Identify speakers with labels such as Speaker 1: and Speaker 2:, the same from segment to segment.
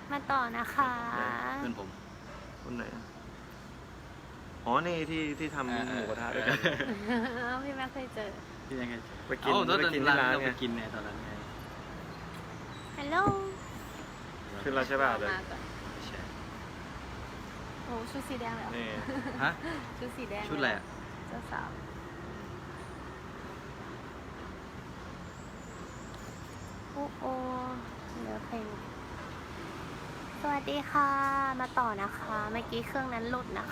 Speaker 1: มาต่อนะคะ
Speaker 2: เพื่อนผม
Speaker 3: คนไหนอ๋อนี่ที่ทำหมูกระทะด้วยกัน
Speaker 1: พี่แม่เคยเจอ
Speaker 2: ที่ยังไง
Speaker 3: ไปกิน
Speaker 2: ตอน
Speaker 3: ไปกิน
Speaker 2: ร้าน
Speaker 3: ที่ร้าน
Speaker 2: เรา
Speaker 3: ไง
Speaker 2: ไปกินเนี่ยตอนนั้นไง
Speaker 1: ฮัลโหล
Speaker 3: ขึ้นแล้วใช่ป่ะเดี๋ยว
Speaker 1: มาก่อนโอ้ชุดสีแดงเลยเหรอ
Speaker 3: นี่
Speaker 2: ฮะ
Speaker 1: ชุดสีแดง
Speaker 2: ชุดอะไรอะ
Speaker 1: เจ้าสาวโอ้โอเหลือเพลงสวัสดีค่ะ มาต่อนะคะ เมื่อกี้เครื่องนั้นหลุดนะคะ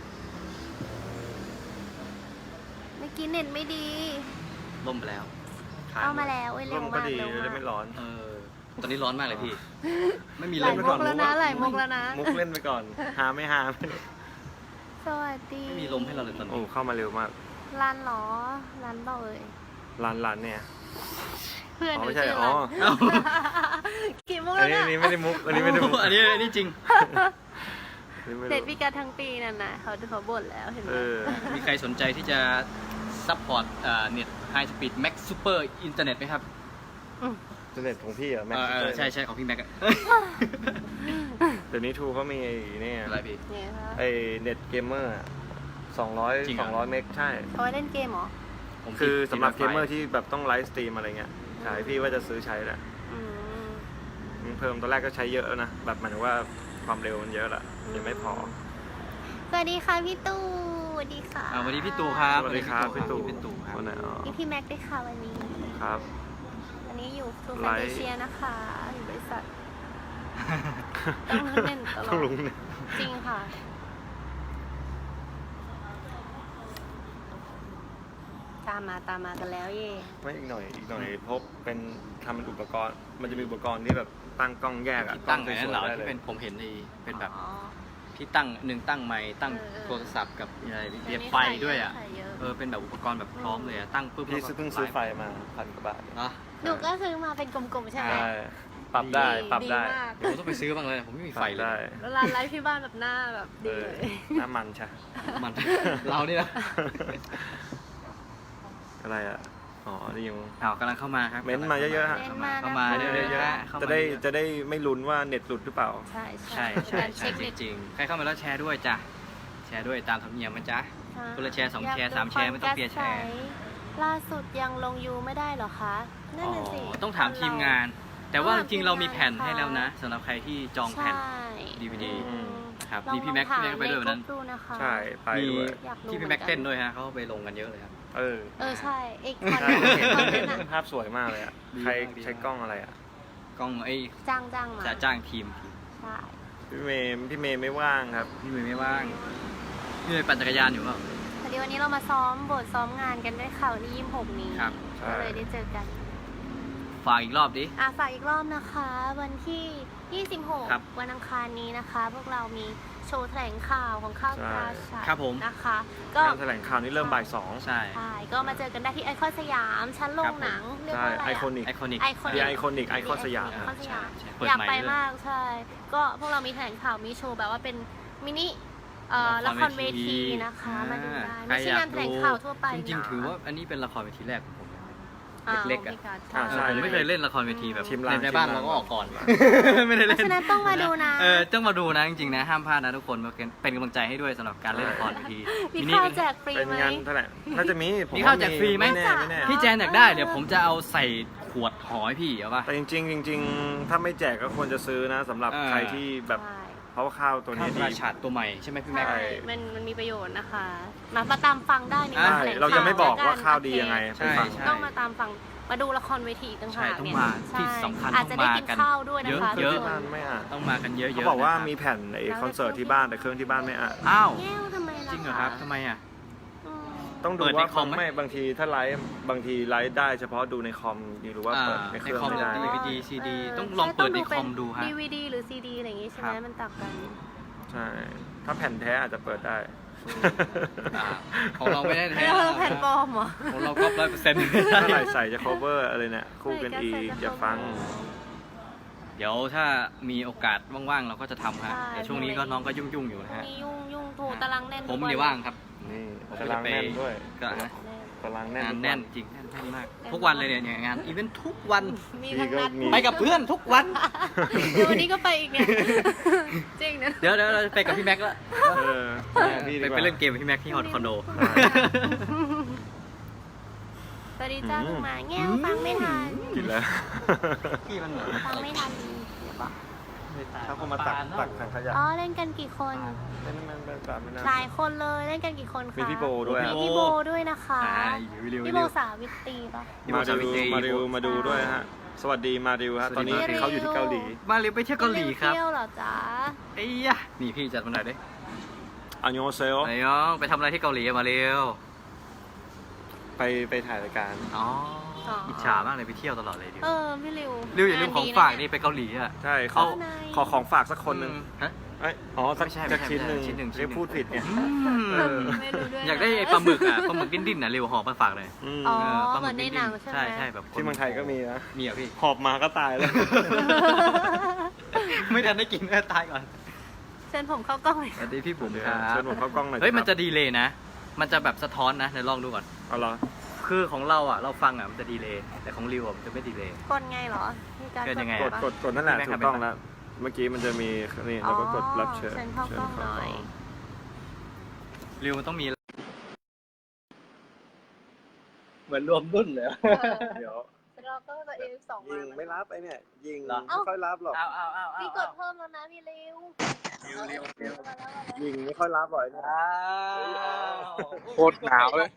Speaker 1: เมื่อกี้เน็ตไม่ดี
Speaker 2: ล่มไปแล้วค้ง
Speaker 1: เอามาแล้วเอ้ย
Speaker 3: ร่
Speaker 1: เร็ว
Speaker 3: มก็
Speaker 1: มาก
Speaker 3: ดี
Speaker 1: เร็ว
Speaker 3: จะได้
Speaker 1: มา
Speaker 3: ไม่
Speaker 1: ก
Speaker 3: ร้อน
Speaker 2: ตอนนี้ร้อนมากเลยพี่ ไม่มี
Speaker 1: ห
Speaker 2: ล
Speaker 1: ลาย
Speaker 2: ม
Speaker 1: มุกแล้วนะหลายมุกแล้วนะ
Speaker 3: มุกเล่นไปก่อนหาไม่หา
Speaker 1: สวัสดี
Speaker 2: ไม่มีลมให้เราเลยตอน
Speaker 3: โอ้
Speaker 2: นี้
Speaker 3: เข้ามาเร็วมาก
Speaker 1: ร้านเหรอร้านเปล่าเอ่ย
Speaker 3: ร้านเนี่ย
Speaker 1: เพื่อน
Speaker 3: อ๋อ
Speaker 1: หนู
Speaker 3: ไม่ใช่
Speaker 1: ชื่อ
Speaker 3: อ๋อ
Speaker 1: ร้านกี่มุก
Speaker 3: อั
Speaker 1: แล้
Speaker 3: น
Speaker 1: ว
Speaker 3: นี้
Speaker 1: เนี่ย
Speaker 3: อันนี้ไม่ได้มุกอันนี้ไม่ได้มุก
Speaker 2: อันนี้จริง
Speaker 1: เด็ดพิการทั้งปีนั่นนะเขาบ่นแล้วเห็นไหม
Speaker 3: เออ
Speaker 2: มีใครสนใจที่จะซัพพอร์ตเน็ตไฮสปีดแม็กซูเปอร์อินเทอร์เน็ตไหมครับ
Speaker 3: อินเทอร์เน็ตของพี่อะแม็กซ์
Speaker 2: ใช่ของพี่แม็ก
Speaker 3: เดี๋ยวนี้ทูเขามีนี่
Speaker 2: อะไรพี่
Speaker 1: เนี่ยคะ
Speaker 3: ไอเน็ตเกมเมอร์200
Speaker 2: จริงเหรอ
Speaker 3: 200เมกใช่
Speaker 1: เอาไว้เล่นเกมเหรอ
Speaker 2: ผม
Speaker 3: คือสำหรับ
Speaker 2: ติ
Speaker 3: เก
Speaker 2: ด
Speaker 3: มเมอร์
Speaker 2: Wi-Fi
Speaker 3: ที่แบบต้องไลฟ์สตรีมอะไรเงี้ยขายพี่ว่าจะซื้อใช้แหละ
Speaker 1: อืม
Speaker 3: เพิ่มตอนแรกก็ใช้เยอะแล้วนะ แบบหมายถึงว่าความเร็วมันเยอะละยังไม่พอ
Speaker 1: สวัสดีค่ะพี่ตู่สวัสดีค่ะ
Speaker 2: สวัสดีพี่ตู่ครับ
Speaker 3: สวัสดีครับพี่ตู่
Speaker 2: พี่ตู่ครับ
Speaker 3: วันไหนอ๋อ
Speaker 1: นี่พี่แม็กซ์ด้วยค่ะวันนี้
Speaker 3: ครับ
Speaker 1: วันนี้อยู่ทู
Speaker 3: ไล
Speaker 1: แฟน
Speaker 3: ฟ์
Speaker 1: เชียนะคะอยู่บริษัทต้องเล่นตลอ
Speaker 3: ต้อง
Speaker 1: ด
Speaker 3: ลุงเนี่ย
Speaker 1: จริงค่ะตามมากันแล้วเย่
Speaker 3: ไม่อีกหน่อยพบเป็นทำเป็นอุปกรณ์ มันจะมีอุปกรณ์ที่แบบตั้งกล้องแยกอะ
Speaker 2: ที่ตั้ง
Speaker 3: ก
Speaker 2: ไง
Speaker 3: ล้
Speaker 2: นั่นเหรอ
Speaker 3: สวยๆได้
Speaker 2: ที่
Speaker 3: เลย
Speaker 2: เป็นผมเห็นในเป็นแบบ
Speaker 1: อ๋อ
Speaker 2: ที่ตั้งตั้งไมค์ตั้ง
Speaker 1: เออ
Speaker 2: โทรศัพท์กับอะไร
Speaker 1: เดี๋
Speaker 2: เรี
Speaker 1: ย
Speaker 2: ยว
Speaker 1: นี้
Speaker 2: ไฟด้วยอ่ะ
Speaker 1: ขายเยอะ
Speaker 2: เป็นแบบอุปกรณ์แบบพร้อมเลยอ่ะตั้งปุ๊บ
Speaker 3: พี่เพิ่งซื้อไฟมา1,000 กว่าบาท
Speaker 2: เนาะ
Speaker 1: หนูก็ซื้อมาเป็นกลมๆใช่ไหม
Speaker 3: ใช่ปรับได้ปรับได้
Speaker 1: ดีมาก
Speaker 2: เดี๋ยวผมต้องไปซื้อบ้างเลยผมไม่มีไฟเลย
Speaker 3: ได้
Speaker 1: แล้วร้านไลฟ์ที่บ้านแบบหน้าแบบ
Speaker 3: เอ
Speaker 1: ดี
Speaker 3: อ
Speaker 1: เลย
Speaker 3: น้ำมันใช่
Speaker 2: มัน เรานี่นะ
Speaker 3: อะไรอ่ะ อ๋อนี่ยัง
Speaker 2: กำลังเข้ามาครับ
Speaker 3: เม้นต์มาเยอะๆฮะ
Speaker 2: เข้ามา
Speaker 1: เม้
Speaker 2: เย
Speaker 1: นต์มา
Speaker 2: อะ
Speaker 1: นะคะ
Speaker 2: ๆเข้ามา
Speaker 3: จะได้ไม่ลุ้นว่าเน็ตหลุดหรือเปล่า
Speaker 1: ใช่
Speaker 2: ใช่
Speaker 1: เป็นการ
Speaker 2: ใช่
Speaker 1: เช็ค
Speaker 2: จ
Speaker 1: เน็ต
Speaker 2: ริงๆใครเข้ามาแล้วแชร์ด้วยจ้ะแชร์ด้วยตามธรรมเนียมนะจ๊ะ
Speaker 1: ค่ะ
Speaker 2: คนละแชร์2แชร์
Speaker 1: อยากดู
Speaker 2: 3แชร์ไม่ต้องเปลี่ยนแชร์
Speaker 1: ความกระแสล่าสุดยังลงยูไม่ได้เหรอคะนั่นน่ะสิ
Speaker 2: ต้องถามทีมงาน แต่ว่าจริงๆเรามีแผ่นให้แล้วนะสำหรับใครที่จองแผ่น
Speaker 1: ใช่
Speaker 2: DVD
Speaker 1: อืม
Speaker 2: นะครับ
Speaker 1: ลอง
Speaker 2: มีพี่แม็ก
Speaker 1: ถา
Speaker 2: พี่แม็กไปด้วยวันนั้น
Speaker 1: ใกรุ๊ปดูนะคะ
Speaker 3: ใช่ไป
Speaker 2: มี
Speaker 3: ด้วย
Speaker 1: อยากรู้
Speaker 2: ที่พี่แม็กเต้นด้วยฮะเขาไปลงกันเยอะเลยครับ
Speaker 3: เออ
Speaker 1: ใช่เอกคอน
Speaker 3: ใช่เห็น
Speaker 1: คอนนั้นอะ
Speaker 3: ภาพสวยมากเลยอ่ะ
Speaker 2: ดี
Speaker 3: ใคร
Speaker 2: มากดี
Speaker 3: ใช้กล้องอะไรอ่ะ
Speaker 2: กล้องไอ้
Speaker 1: จ้างมา
Speaker 2: จะจ้างทีม
Speaker 1: ใช่
Speaker 3: พี่เมย์ไม่ว่างครับ
Speaker 2: พี่เมย์ไม่ว่างพี่เมย์ปั่นจักรยานอยู่เปล่า
Speaker 1: พอดีวันนี้เรามาซ้อมบทซ้อมงานกันด้วยค่ะวันที่26นี้
Speaker 2: ครับ
Speaker 3: ใช่
Speaker 1: ก็เลยได้เจอกัน
Speaker 2: ฝากอีกรอบดิ
Speaker 1: ฝากอีกรอบนะคะ วันที่
Speaker 2: ครับ
Speaker 1: 26 วันอังคารนี้นะคะ พวกเรามีโชว์แถลงข่าวของข้าวปลาชัย
Speaker 2: ครับผม
Speaker 1: นะคะ ก็
Speaker 3: งานแถลงข่าวนี้เริ่มบ่าย 2
Speaker 2: ใช่
Speaker 1: ใช่ก็มาเจอกันได้ที่ไอคอนสยามชั้นโรงหนังเรียก
Speaker 3: ใช่
Speaker 1: ว่าอะไร
Speaker 3: ไอ
Speaker 1: อะ
Speaker 3: คอนิก
Speaker 2: ไอคอนิก
Speaker 1: ไอคอนิก
Speaker 3: ไอคอนิกไอคอนสยาม
Speaker 1: ไอคอนสยาม
Speaker 2: ใช่เปิด
Speaker 1: อยาก
Speaker 2: ใหม่
Speaker 1: ไป
Speaker 2: ด้วย
Speaker 1: มากใช่ ก็พวกเรามีแถลงข่าวมีโชว์แบบว่าเป็นมินิละครเวทีนะคะ มาดูได้ ไม่ใช่งานแถลงข่าวทั่วไป
Speaker 2: จริง
Speaker 1: นะ
Speaker 2: ๆถือว่าอันนี้เป็นละครเวทีแรกของผม
Speaker 1: อ่า
Speaker 2: เล็กๆ
Speaker 1: โอ
Speaker 2: อะ
Speaker 1: เคค่ะ
Speaker 3: ใช่
Speaker 2: ผมไม่เคยเล่นละครเวทีแบบ
Speaker 3: ทีมลาง
Speaker 2: ในบ้าน
Speaker 3: ทีมลาง
Speaker 2: เราก็ออกก่อน ไม่ได้
Speaker 1: เพ
Speaker 2: เล่
Speaker 1: ราะ
Speaker 2: น
Speaker 1: ฉะนั้นต้องมาดูนะ
Speaker 2: ต้องมาดูนะจริงๆนะห้ามพลาดนะทุกคนเป็นกำลังใจให้ด้วยสำหรับการเล่นละครเวที
Speaker 1: มีข้าวแจกฟรี
Speaker 3: เป็น
Speaker 1: ไหม
Speaker 3: งานแถลงน่าจะมีผม
Speaker 2: มีข้าวแจกฟรีไหม
Speaker 3: ไม่แน่ไม่แน่
Speaker 2: พี่แจนอยากได้เดี๋ยวผมจะเอาใส่ขวดหอยพี่เอาป่ะ
Speaker 3: แต่จริงๆจริงๆถ้าไม่แจกก็ควรจะซื้อนะสำหรับ
Speaker 2: เออ
Speaker 3: ใครที่แบบ
Speaker 1: ใช่
Speaker 3: เพราะว่าข้าวตัว
Speaker 2: ข้า
Speaker 3: นี้
Speaker 2: ว
Speaker 3: ดี
Speaker 2: ราชาตัวใหม่ใช่ไหมพี่แม็ก
Speaker 1: ใช่มันมีประโยชน์นะคะ มาตามฟังได้ใน
Speaker 2: ใช่
Speaker 1: งานแถลงข่ว
Speaker 3: เราจะไม่บอกว่า
Speaker 1: แล้วน
Speaker 3: ข้าวดียังไง
Speaker 2: ใช่
Speaker 3: ไปฟัง
Speaker 2: ใช่
Speaker 1: ต้องมาตามฟังมาดูละครเวทีอีกต่างหาก
Speaker 2: ใช่ต้อง
Speaker 1: เนี่ย
Speaker 2: มา
Speaker 1: ใช่
Speaker 2: ที่สำคัญ
Speaker 1: อาจจะได้
Speaker 2: ต้องมา
Speaker 1: กิน
Speaker 2: กัน
Speaker 1: ข้าวด้วยนะคะ
Speaker 2: เยอะ
Speaker 1: ทุก
Speaker 3: ที่
Speaker 1: ค
Speaker 3: บ้าน
Speaker 1: น
Speaker 3: ไม่อ่าน
Speaker 2: ต้องมากันเยอะๆ
Speaker 3: เขาบอกว่า
Speaker 2: นะครับ
Speaker 3: มีแผ่นไอ้คอนเสิร์ตที่บ้านแต่เครื่องที่บ้านไม่อ่าน
Speaker 2: อ้าว
Speaker 1: แก้วทำไมล่ะ
Speaker 2: จริงเหรอครับทำไมอ่ะ
Speaker 1: อืม
Speaker 3: ต้องดู
Speaker 2: เปิดใน
Speaker 3: ว่า
Speaker 2: คอมไหม
Speaker 3: ไม่บางทีถ้าไลฟ์บางทีไลฟ์ได้เฉพาะดูในคอมหรือว่าเปิดในเครื่อง
Speaker 2: คอม
Speaker 3: ไม่ได้
Speaker 2: ดีวีดีซีดีต้องลองเปิดในคอมดูฮะ
Speaker 1: DVD หรือ CD อะไรอย่างงี้ใช่ไหม
Speaker 2: ครับ
Speaker 1: มันต่างกัน
Speaker 3: ใช่ ถ้าแผ่นแท้อาจจะเปิดได้
Speaker 2: ของเราไม่ได้
Speaker 1: ไม่
Speaker 2: แท้
Speaker 1: ได้แผ่นปลอมเหรอ
Speaker 2: ของเราก็100%
Speaker 3: ถ้าไหร่ใส่จะ cover อะไรเนี่ยคู่กันอีกอย่าฟัง
Speaker 2: เดี๋ยวถ้ามีโอกาสว่างๆเราก็จะทำฮะ
Speaker 1: ใช่
Speaker 2: แต่ช่วงนี้ก็น้องก็ยุ่งๆอยู่นะ
Speaker 1: พรุ่ง
Speaker 2: ฮะ
Speaker 1: นี้ยุ่งโทรตารางแน่น
Speaker 2: ผม
Speaker 1: ทุก
Speaker 2: เนี่ยว่างครับ
Speaker 3: นี่
Speaker 2: ผม
Speaker 3: กำ
Speaker 2: ก็
Speaker 3: ลั
Speaker 2: จะ
Speaker 3: ง
Speaker 2: ไป
Speaker 3: แน่นด้วย
Speaker 2: ก็ฮะ
Speaker 3: ตารางแน่น
Speaker 2: งาน
Speaker 3: ทุกวั
Speaker 2: แน่นจริงแน่นมากทุกวันเลยเนี่ยงานอีเวนต์ทุกวัน
Speaker 1: มีทั้งนัด
Speaker 3: มี
Speaker 2: ไปกับเพื่อนทุกวัน
Speaker 1: เดี๋ยววันนี้ก็ไปอีกเนี่ยจริงนะ
Speaker 2: เดี๋ยวเราไปกับพี่แม็กซ์แล้ว
Speaker 3: พี่ดีก
Speaker 2: ไป
Speaker 3: ว่า
Speaker 2: เล่นเกมกับพี่แม็กซ์ที่ฮอตคอนโด
Speaker 1: สวัสดีจ้าลุงหมาแง่วฟังไม่ทัน
Speaker 3: กินแล้ว
Speaker 2: พี่มันเหมือน
Speaker 1: ฟังไม่ทันเดี๋ยวบอก
Speaker 3: ถ้าเขามาตักถังขยะ
Speaker 1: อ๋อเล่นกันกี่คน
Speaker 3: เล่นมันเป็นแบบนั้น
Speaker 1: หลายคนเลยเล่นกันกี่คนคะ
Speaker 3: มีพี่โบด้วย
Speaker 1: มีพี่โบด้วยนะคะ พี่โบสาวิตรีปะ
Speaker 3: มาดูด้วยฮะ สวัสดีมาริวฮะ ตอนนี้เขาอยู่ที่เกาหลี
Speaker 2: มาเร็วไปเที่ยวเกาหลีครับ
Speaker 1: เที่ยวเหรอจ๊ะ
Speaker 2: ไอ้ยะนี่พี่จัดมาหน่อยดิ
Speaker 3: อันยองเซล
Speaker 2: ไอ้น้องไปทำอะไรที่เกาหลีมาเร็ว
Speaker 3: ไปถ่ายรายการ
Speaker 2: อ๋ออิจฉามากเลยไปเที่ยวตลอดเลยดิว
Speaker 1: พี่ริว
Speaker 2: ริวอย่าลืมของฝากนี่ไปเกาหลีอ่ะ
Speaker 3: ใช่
Speaker 2: เอา
Speaker 3: ขอของฝากสักคนหนึ่ง
Speaker 2: ฮะ
Speaker 3: สัก
Speaker 2: ไม่ใช่
Speaker 3: ชิ้นหนึ่ง
Speaker 2: ชิ้นหนึ่ง
Speaker 3: เรียกพูดผิดไง
Speaker 1: ไม่รู้ด้วยนะ
Speaker 2: อยากได้ไอ้ปลาหมึกอ่ะปลาหมึกดิ้นๆน่ะเร็วหอบมาฝากเลย
Speaker 1: อ๋อ
Speaker 2: ปลา
Speaker 1: เหมือนในหนังใช่ไหม
Speaker 2: ใช่แบบ
Speaker 3: ที่เมืองไทยก็มีนะ
Speaker 2: มีอ่ะพี่
Speaker 3: หอบมาก็ตายเลย
Speaker 2: ไม่ทันได้กินก็ตายก่อน
Speaker 1: เชิญผมเข้ากล้องเลย
Speaker 2: สวัสดีพี่บุ๋มครับ
Speaker 3: เชิญผมเข้ากล้องหน่อย
Speaker 2: เฮ้ยมัน
Speaker 3: ค
Speaker 2: จะ
Speaker 3: รับ
Speaker 2: ดีเลยนะ มันจะแบบสะท้อนนะเดี๋ยวลองดูก่อน
Speaker 3: เอาเหรอ
Speaker 2: คือของเราอ่ะเราฟังอ่ะมันจะดีเลยแต่ของริวอ่ะมันจะไม่ดีเลย
Speaker 1: กดไงเหรอมีการ
Speaker 2: เกิดยังไง
Speaker 3: ก
Speaker 2: อะ
Speaker 3: ดนั่นแหละ
Speaker 2: ไม่
Speaker 3: ถู
Speaker 2: ไม่
Speaker 3: กต้องแล้ว เมื่อกี้มันจะมีนี่เราก็กดรับเชิญ
Speaker 1: เชิญเข้ากล้องหน่อย
Speaker 2: ริวมันต้องมีเหมือนรวมรุ่นเลย
Speaker 3: เดี๋ยว
Speaker 1: เราต้องตัวเองสอง
Speaker 3: ยิงไม่รับไอ้เนี่ยยิง
Speaker 2: เหรอ
Speaker 3: ไม่ค่อยรับหรอก
Speaker 2: เอา
Speaker 1: พี่กดเพิ่มแล้วนะพี่ริว
Speaker 3: ยิงไม่ค่อยรับหรอกไอ้เนี่ย
Speaker 2: โคตรหนาวเลย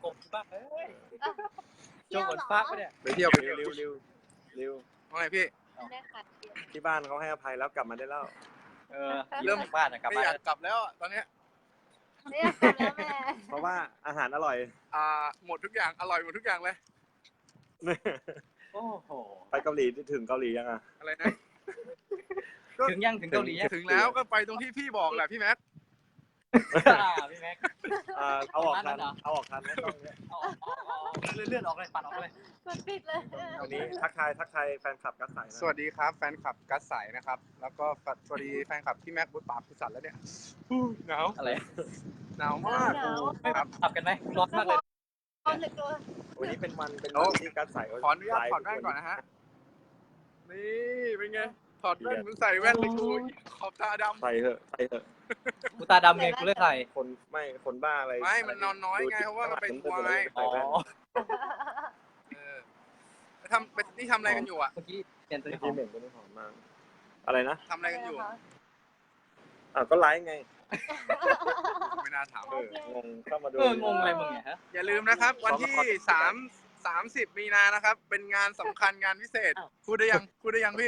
Speaker 1: เที่ยวเหรอ
Speaker 3: ไปเที่ยวไปเร็วเร็วเร็ว
Speaker 4: ว่าไงพี่
Speaker 1: ได้ค่ะเที่ยว
Speaker 3: ที่บ้านเขาให้อภัยแล้วกลับมาได้แล้ว
Speaker 2: เริ่มบ้านอะกลับ
Speaker 4: ไม่
Speaker 2: บ้า
Speaker 4: อน ยากกลับแล้วอะตอนเนี้ย
Speaker 1: เนี่ยแล้วแม่
Speaker 3: เพราะว่าอาหารอร่อย
Speaker 4: หมดทุกอย่างอร่อยหมดทุกอย่างเลย
Speaker 2: โอ้โห
Speaker 3: ไปเกาหลีถึงเกาหลียังอ่ะ
Speaker 4: อะไรนะ
Speaker 2: ถึงยังถึงเกาหลียัง
Speaker 4: ถึงแล้วก็ไปตรงที่พี่บอกแหละพี่แม็ก
Speaker 2: พี่แม็ก
Speaker 3: เอาออกทันเอาออกทันไม่ต้องเนี่ย
Speaker 2: เลื่อนออกเลยปัดออกเลย
Speaker 1: กดปิดเลย
Speaker 3: วันนี้ทักทายแฟนคลับกัสใสนะ
Speaker 4: สวัสดีครับแฟนคลับกัสใสนะครับ แล้วก็สวัสดีแฟนคลับพี่แม็กบุตรปากคุณสันแล้วเนี่ยหนาว
Speaker 2: อะไร
Speaker 4: หนาวมากครับ
Speaker 2: ขับกันไหมร้อนมากเลย
Speaker 1: ความเหลือเกิน
Speaker 3: วันนี้เป็นวันที่กัสใส
Speaker 4: ขออนุญาตถอดแว่นก่อนนะฮะนี่เป็นไงถอดแว่นมึงใส่แว่นเลยกูขอบตาดำ
Speaker 3: ใส่เถอะ
Speaker 2: กูตาดำไงกูเลยใส่
Speaker 3: คนบ้าอะไร
Speaker 4: ไม่มันนอนน้อยไงเพราะว่ามันไปทัวร์ไง
Speaker 3: ใส่แว่น
Speaker 4: นี่ทำอะไรกันอยู่อ่ะ
Speaker 2: เมื่อกี้เปลี่ยนตัวนี้ขอ
Speaker 3: ที่
Speaker 2: ง
Speaker 3: เหม็นตัวนี้หอมมากอะไรนะ
Speaker 4: ทำอะไรกันอยู่
Speaker 3: ก็ไลฟ์ไง
Speaker 4: ไม่น่าถาม
Speaker 3: งงเข้ามาดู
Speaker 2: งงอะไรมึงเนี่ยฮะ
Speaker 4: อย่าลืมนะครับ วันที่30 มีนานะครับ เป็นงานสำคัญงานพิเศษ พูดได้ยังพี่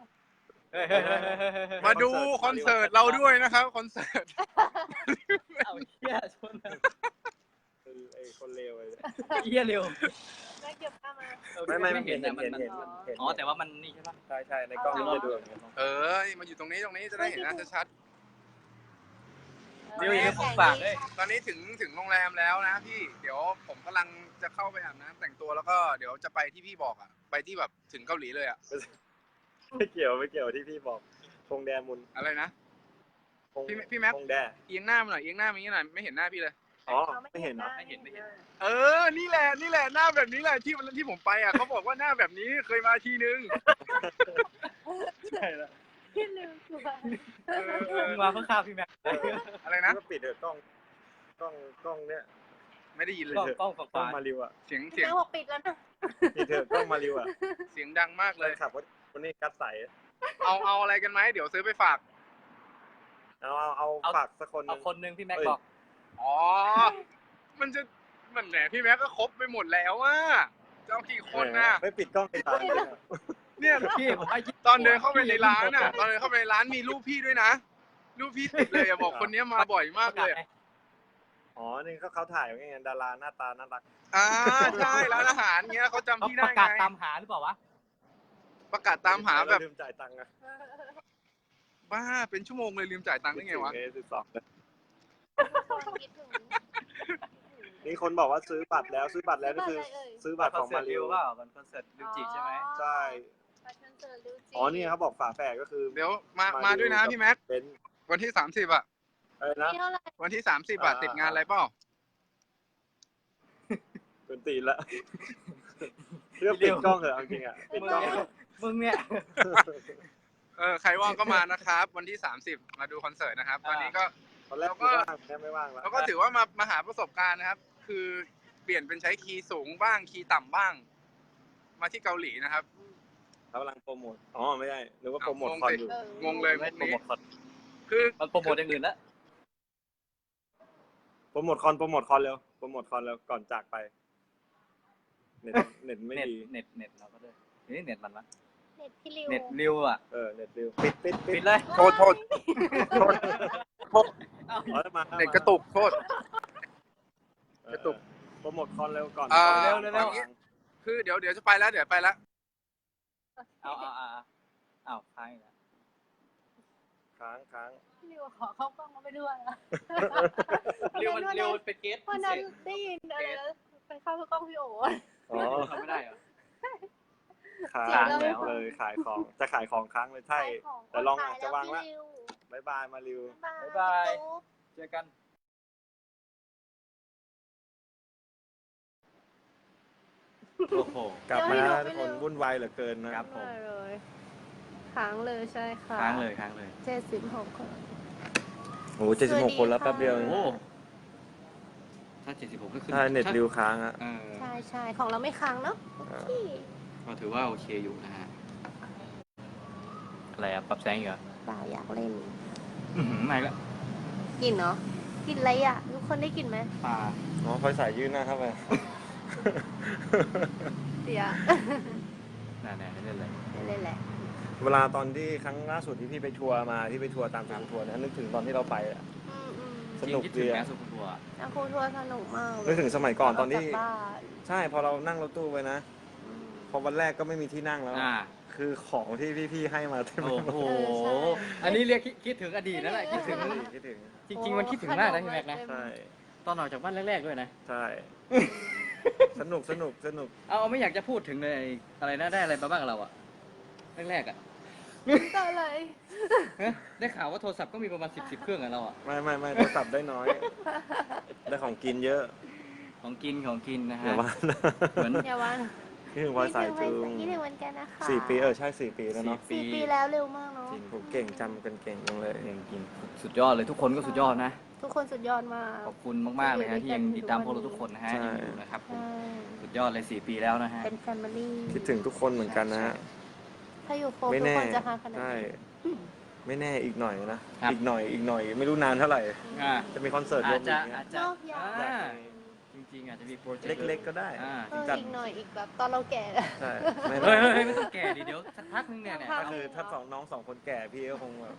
Speaker 4: มาดูคอนเสิร์ตเราด้วยนะครับคอนเสิร์ต
Speaker 2: เอาเหี้ยชน
Speaker 3: ไอ้คนเลวเลย
Speaker 2: เหี้ยเร็ว
Speaker 1: แม่เก็บข้ามา
Speaker 3: ไม่
Speaker 2: เห็นแต่มัน
Speaker 3: เห็น
Speaker 2: อ๋อแต่ว่ามันนี่ใช่ปะ
Speaker 3: ใช่ในกล้องมันจะดูอย่างเงี้ย
Speaker 4: มาอยู่ตรงนี้จะได้เห็นหน้าชัด
Speaker 2: เดี๋ยวอย่าของฝากด้วย
Speaker 4: ๆตอนนี้ถึงโรงแรมแล้วนะพี่ เดี๋ยวผมกำลังจะเข้าไปอาบน้ำแต่งตัวแล้วก็เดี๋ยวจะไปที่พี่บอกอ่ะ ไปที่แบบถึงเกาหลีเลยอ่ะ
Speaker 3: ไม่เกี่ยวที่พี่บอกคงแดมุน
Speaker 4: อะไรนะ พี่แม็ก
Speaker 3: คงแด
Speaker 4: เอียงหน้ามาหน่อยเอียงหน้ามาอย่างนี้หน่อยไม่เห็นหน้าพี่เลย
Speaker 3: อ๋อไม่เห็นเหรอ
Speaker 2: ไม่เห็น
Speaker 4: นี่แหละหน้าแบบนี้แหละที่ผมไปอ่ะเขาบอกว่าหน้าแบบนี้เคยมาทีนึง
Speaker 3: ใช่แล้ว
Speaker 1: พี่ลืมตัว
Speaker 2: มึงมาเพิ่งข้าวพี่แม็ก
Speaker 4: อะไรนะ
Speaker 3: ก็ปิดเถอะกล้องเนี่ย
Speaker 4: ไม่ได้ยินเลย
Speaker 2: กล้อง
Speaker 3: กล้อง
Speaker 2: ฝาก
Speaker 3: มาริวอ่ะ
Speaker 4: เสียง
Speaker 1: แม่บอกปิดแล้วนะ
Speaker 3: ปิดเถอะกล้องมาริวอ่ะ
Speaker 4: เสียงดังมาก
Speaker 3: เล
Speaker 4: เลย ย
Speaker 3: ขับวันนี้กัดใส
Speaker 4: เอาอะไรกันไหมเดี๋ยวซื้อไปฝาก
Speaker 3: เอาฝากสักคน
Speaker 2: เอาคนนึงพี่แม็กบอก
Speaker 4: อ๋อ มันแหมพี่แม็กก็ครบไปหมดแล้วอ่ะเจ้ากี่คนน่ะ
Speaker 3: ไม่ปิดกล้องไปตาย
Speaker 4: เนี่ย
Speaker 2: พี่ผมให้
Speaker 4: ตอนเดินเข้าไปในร้านอ่ะ ตอนเดินเข้าไปในร้านมีรูปพี่ด้วยนะ รูปพี่ติดเลยอะบอกคนนี้มาบ่อยมากเลยอะ
Speaker 3: อ๋อนี่เขาถ่ายไงดาราหน้าตาน่ารัก
Speaker 4: ใช่ร้านอาหารเงี้ยเขาจำพี่ได้
Speaker 2: ประ
Speaker 4: ไง
Speaker 2: กาศตามหาหรือเปล่าวะ
Speaker 4: ประกาศตามหาแบบ
Speaker 3: ลืมจ่ายตังค์อะ
Speaker 4: บ้าเป็นชั่วโมงเลยลืมจ่ายตังค์ได้ไงวะ
Speaker 3: 12
Speaker 1: คิดถึง
Speaker 3: นี่คนบอกว่าซื้อบัตรแล้วก็คือซื้อบัตรของมาริว
Speaker 2: เปล่ามันคอนเสิร์ตลิวจิใช่ไหม
Speaker 3: ใช่อ๋อนี่เขาบอกฝาแฝดก็คือ
Speaker 4: เดี๋ยวมาด้วยนะพี่แม็ก
Speaker 3: เป็น
Speaker 4: วันที่30อ่ะ
Speaker 3: อะไรนะ
Speaker 1: นี่เท่าไหร่
Speaker 4: วันที่30อ่ะติดงานอะไรเปล่า
Speaker 3: เป็นตีนละเรื่องปิดกล้องเหรอเอาจริงอ่ะปิดกล้อง
Speaker 2: มึงเนี่ย
Speaker 4: ใครว่างก็มานะครับ วันที่ 30 มาดูคอนเสิร์ตนะครับ ตอนนี้ก็
Speaker 3: ตอนแรกก็ว่างแค่ไม่ว่างแล้ว
Speaker 4: เราก็ถือว่ามาหาประสบการณ์นะครับ คือเปลี่ยนเป็นใช้คีย์สูงบ้างคีย์ต่ำบ้าง มาที่เกาหลีนะครับ
Speaker 3: เขากำลังโปรโมทอ๋อไม่ได้หรือว่าโปรโมทคอนอยู่
Speaker 4: งงเลยพวก
Speaker 2: โปร
Speaker 4: นี้
Speaker 2: โมทคอน
Speaker 4: คือ
Speaker 2: มันโปรโมทอย่างอื่นแล้ว
Speaker 3: โปรโมทคอนเร็วโปรโมทคอนแล้วก่อนจากไปเน็ตไม่ดี
Speaker 2: เน็ตเราก็ด้วยนี่เน็ตมันวะ
Speaker 1: เน็ตพี่ริว
Speaker 2: เน็ตริวอ่ะ
Speaker 3: เน็ตเร็วปิด
Speaker 2: ปิดเลย
Speaker 4: โทษ
Speaker 2: เอ้า
Speaker 3: อ๋อมา
Speaker 4: เน็ตกระตุกโทษ กระตุก
Speaker 3: โปรโมทคอนเร็วก่อน
Speaker 2: เร็ว
Speaker 4: คือเดี๋ยวจะไปแล้วไปแล้ว
Speaker 2: เอาค้างอีกแล้ว
Speaker 3: ค้าง
Speaker 1: พี่ริวขอเข้ากล้องมาไปด้วยนะ
Speaker 2: ริวมันเป็นเกส
Speaker 1: วันนั้นได้ยินอะไรนะไปเข้ากล้องพี่โอ๋
Speaker 3: อ๋อ
Speaker 2: ทำไม่ได้เหรอ
Speaker 3: ค้าง
Speaker 1: จริงแล้ว
Speaker 3: เลยขายของจะขายของค้างเลยใช่แต่ลองอ่ะจะวางละ
Speaker 1: พี่ริว
Speaker 3: บายบายมาริว
Speaker 2: บ๊ายบาย เจอกัน โอ้โห
Speaker 3: กลับมาทุกคนวุ่นวายเหลือเกินนะครับ
Speaker 2: ผม
Speaker 1: เลยค้างเลยใช่ค่ะ
Speaker 2: ค้างเลย
Speaker 1: 76คน
Speaker 3: โอ้โห76 คนแล้วแป๊บเดียว
Speaker 2: โอ้ถ้า76ก็ขึ้น
Speaker 3: ถ้าเน็ตริวค้างอ่ะ
Speaker 1: ใช่ของเราไม่ค้างเนาะพี่
Speaker 2: ก็ถือว่าโอเคอยู่นะฮะ อะไรอ่ะ ปรับแสงอีกเหรอ
Speaker 1: เปล่าอยากเล่น
Speaker 2: ไม่ละ
Speaker 1: กินเนาะกินอะไรอ่ะทุกคนได้กินไหม
Speaker 2: ปลา
Speaker 3: อ๋อคอยสายยื่นหน้าเข้าไป
Speaker 1: เดี๋ยว
Speaker 2: น่ไม่เล่นเลย
Speaker 1: เล่นแหละ
Speaker 3: เวลาตอนที่ครั้งล่าสุดที่พี่ไปทัวร์มาที่ไปทัวร์ตามทางทัวร์นะนึกถึงตอนที่เราไปอะสนุก
Speaker 2: คิด
Speaker 3: ดี
Speaker 2: ถึง
Speaker 3: อะ
Speaker 2: แม่สุขุมบัว
Speaker 1: นักครูทัวร์สนุกมากเลย
Speaker 3: นึกถึงสมัยก่อนตอนที่
Speaker 1: กลับบ้าน
Speaker 3: ใช่พอเรานั่งรถตู้ไปนะ พอวันแรกก็ไม่มีที่นั่งแล้ว คือของที่พี่ๆให้มาเต็มไป
Speaker 2: โอ้
Speaker 3: หมด
Speaker 2: โห อันนี้เรียกคิดถึงอดีตนั่นแหละคิดถึง
Speaker 3: คิดถึง
Speaker 2: จริงๆมันคิดถึงมากนะพี่แม็กนะ
Speaker 3: ใช่
Speaker 2: ตอนออกจากบ้านแรกๆด้วยนะ
Speaker 3: ใช่ สนุก
Speaker 2: เอาไม่อยากจะพูดถึงเลยอะไรนะได้อะไรมาบ้างเราอะแรกๆอะ
Speaker 1: ก็อะไร
Speaker 2: ได้ข่าวว่าโทรศัพท์ก็มีประมาณ10เครื่องอะเราอะ
Speaker 3: ไม่โทรศัพท์ได้น้อย ได้ของกินเยอะ
Speaker 2: ของกินนะ
Speaker 3: อ
Speaker 2: ฮะ
Speaker 3: ย่าว่านะ
Speaker 2: เหมือน
Speaker 1: อย่าว่า
Speaker 3: คิดถึงวันสายจูง
Speaker 1: คิดถึงวันกันนะคะ
Speaker 3: 4 ปีใช่4 ปีแล้วเนาะ
Speaker 1: 4 ปีแล้วเร็วมากเนาะ
Speaker 2: จริง
Speaker 3: ผมเก่งจำกันเก่งจังเลย
Speaker 2: กินสุดยอดเลยทุกคนก็สุดยอดนะ
Speaker 1: ทุกคนสุดยอดมาก
Speaker 2: ขอบคุณมากๆเลยฮะที่ยังติดตามพวกเราทุกคนนะฮะ
Speaker 3: ใช่
Speaker 2: ยังอยู่นะครับผม
Speaker 1: ใช่
Speaker 2: สุดยอดเลย4 ปีแล้วนะฮะ
Speaker 1: เป็นแฟมิลี่
Speaker 3: คิดถึงทุกคนเหมือนกันนะฮะ
Speaker 1: ถ้าอยู่โฟร์
Speaker 3: ไม่
Speaker 1: ทุก
Speaker 3: แน่
Speaker 1: คนจะหาขนาด
Speaker 3: ใช่
Speaker 1: นี้
Speaker 3: ไม่แน่อีกหน่อยนะ อีกหน่อยไม่รู้นานเท่าไหร่
Speaker 2: อ่า
Speaker 3: จะมีคอนเสิร์ตร
Speaker 2: อาว
Speaker 3: ม
Speaker 2: จ
Speaker 3: อี
Speaker 2: จะ
Speaker 3: กเนี่ย
Speaker 2: อาจจะ
Speaker 1: นอกยา
Speaker 2: อ่าจริงๆอาจจะมีโปรเจกต์
Speaker 3: เล็กๆก็ได้ จัด
Speaker 1: อีกหน่อยอีกแบบตอนเราแก่
Speaker 3: ใช่ไม่
Speaker 2: เฮ้ยไม่ต้องแก่ดิเดี๋ยวสักพักนึงเนี่ย
Speaker 3: ก็คือถ้าน้องสองคนแก่พี่ก็คงแบบ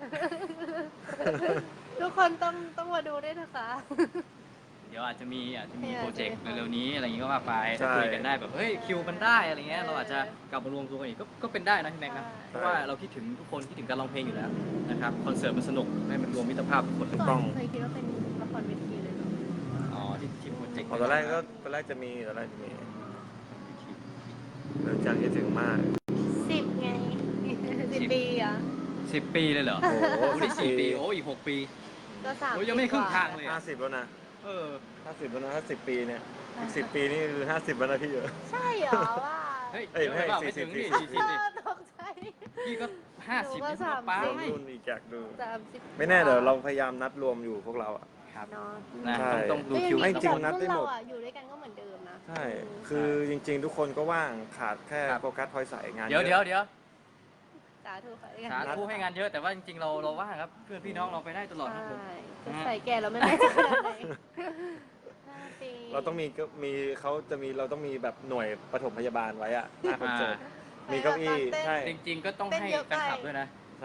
Speaker 1: ทุกคนต้องมาดูด้วยนะคะ
Speaker 2: เดี๋ยวอาจจะมีโปรเจกต์เร็วๆนี้อะไรอย่างงี้ก็ว่าไปถ้าคุยกันได้แบบเฮ้ยคิวมันได้อะไรเงี้ยเราอาจจะกลับมารวมตัวกันอีกก็เป็นได้นะพี่แม็กนะเพราะว่าเราคิดถึงทุกคนคิดถึงการร้องเพลงอยู่แล้วนะครับคอนเสิร์ตมันสนุกให้มันรวมมิตรภาพทุกคนเลย
Speaker 1: ก่อนเคยคิดว่าเป็นละครเวทีเลยเนาะ
Speaker 2: อ๋อที่โปรเจกต์
Speaker 3: ตอนแรกจะมีเริ่มจากคิดถึงมาก
Speaker 1: 10 ไง 10 ปีอ่ะ
Speaker 2: 10 ปีเลยเหรอ
Speaker 3: โอ้โห
Speaker 2: โอ้นี่4 ปีโอ้อีก6 ปี
Speaker 1: ก็3
Speaker 2: โอ้ยังไม่ครึ่งทางเลย
Speaker 3: 50แล้วนะ
Speaker 2: เออ
Speaker 3: 50แล้วนะถ้า10 ปีเนี่ยอีก10 ปีนี่คือ50แล้วนะพี่เยอะ
Speaker 1: ใช่เหรอว่า
Speaker 2: เฮ้ย
Speaker 3: เอ้ย
Speaker 2: เดี๋ยวไม่
Speaker 3: ไม่
Speaker 2: ถึงนี่
Speaker 3: 40
Speaker 2: 40ดิ
Speaker 1: ตกใจ
Speaker 2: พี่ก็50
Speaker 1: หนู
Speaker 2: นี่
Speaker 1: ก็
Speaker 2: ก็ป้า
Speaker 3: รวม
Speaker 2: ไม่
Speaker 3: รุ่นอีกอยากดู
Speaker 1: 30
Speaker 3: ไม่แน่เดี๋ยวเราพยายามนัดรวมอยู่พวกเราอ่ะ
Speaker 2: ครับ
Speaker 1: เนาะ
Speaker 2: นะ
Speaker 3: ใช่
Speaker 2: ต้องดูคิว
Speaker 3: ไม่จริงนะ
Speaker 1: พวก
Speaker 3: ได้หมด
Speaker 1: เราอะอยู่ด้วยกันก็เหมือนเดิมนะ
Speaker 3: ใช่ คือจริงๆ ทุกคนก็ว่างขาดแค่โฟกัสพลอยใส่งาน
Speaker 2: เดี๋ยว
Speaker 1: สาธุไปกัน
Speaker 2: สาธุให้งานเยอะแต่ว่าจริงๆเราว่างครับเพื่อนพี่น้องเราไปได้ตลอดครับผม
Speaker 1: ใช่ใส่แก่เราไม่แน่ใจขนาดไหน5 ปี
Speaker 3: เราต้องเราต้องมีแบบหน่วยปฐมพยาบาลไว้อะหน้าคอนเสิร์ตมีเก้าอี้ใช่
Speaker 2: จริงๆก็ต้องให้แฟนคลับด้วยนะ
Speaker 3: ใช่